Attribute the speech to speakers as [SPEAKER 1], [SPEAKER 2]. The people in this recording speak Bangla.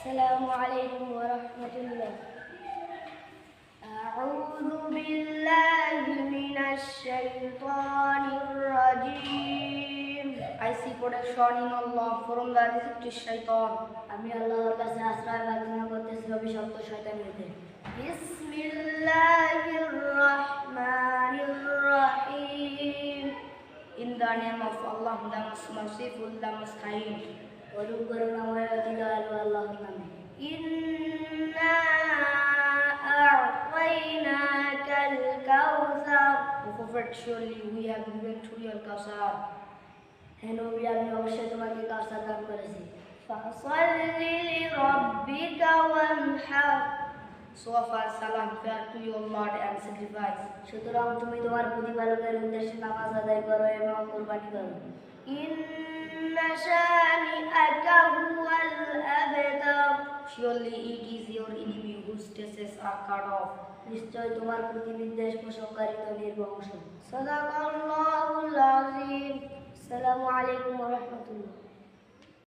[SPEAKER 1] السلام عليكم ورحمة الله. أعوذ بالله من الشيطان الرجيم. I seek protection in Allah from the deceptive shaitan. আমি আল্লাহর কাছে আশ্রয় প্রার্থনা করতেছি অভিশপ্ত শয়তান হতে। বিসমিল্লাহির রহমানির রহিম. In the name of Allah, the most merciful, the most kind. পরম করুণাময় অতি দয়ালু আল্লাহর নামে। ইন্না আ'তাইনাকাল কাউসার. O Prophet, surely we have given to you al-Kawthar. হে নবী, আমি অবশ্যই তোমাকে কাউসার দান করেছি। ফাসাল্লি লিরাব্বিকা ওয়ানহার. So offer salam prayer to your Lord and sacrifice. সুতরাং তুমি তোমার প্রতিপালকের উদ্দেশ্যে নামাজ আদায় করো এবং কুরবানি করো। ইন্না শানিআকা হুয়াল আবতার. Surely it is your enemy whose traces are cut off. নিশ্চয় তোমার প্রতিবিদ্বেষ পোষণকারী তো নির্বংশ। সাদাকাল্লাহুল আযীম. আসসালামু আলাইকুম ওয়া রাহমাতুল্লাহ.